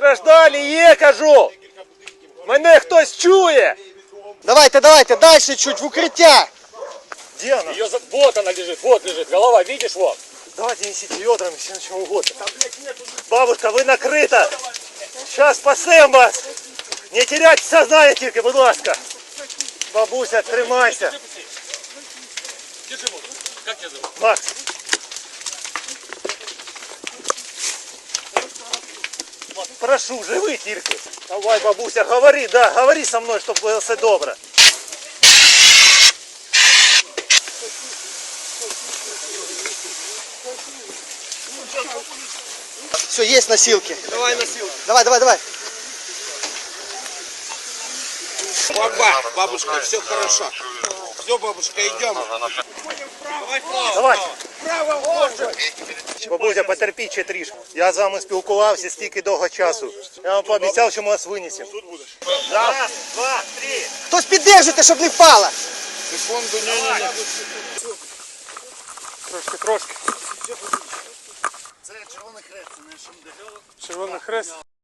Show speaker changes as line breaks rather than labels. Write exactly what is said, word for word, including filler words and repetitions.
Постраждалі є, кажу! Мене хтось чує!
Давайте, давайте, дальше чуть, в укрытие.
Где она?
Ее за... Вот она лежит, вот лежит, голова, видишь, вот.
Давайте несите ведрами, все на чем угодно. Бабушка, вы накрыта! Сейчас спасем вас! Не теряйте сознание тільки, будь ласка! Бабуся, тримайся!
Держи воду. Как тебя зовут?
Макс! Прошу, живи тільки! Давай, бабуся, говори, да, говори со мной, чтобы было все добре.
Все, есть носилки.
Давай носилки.
Давай, давай, давай.
Баба, бабушка, все хорошо. Все, бабушка, идем.
Давай. Бабуся, потерпіть ще трішки. Я з вами спілкувався стільки довго часу. Я вам пообіцяв, що ми вас винесемо. Раз, два, три.
Хтось піддержите, щоб не впало.
Секунду, не-не-не.
Трошки, трошки.
Це Червоний Хрест, це не ШМД.
Червоний хрест.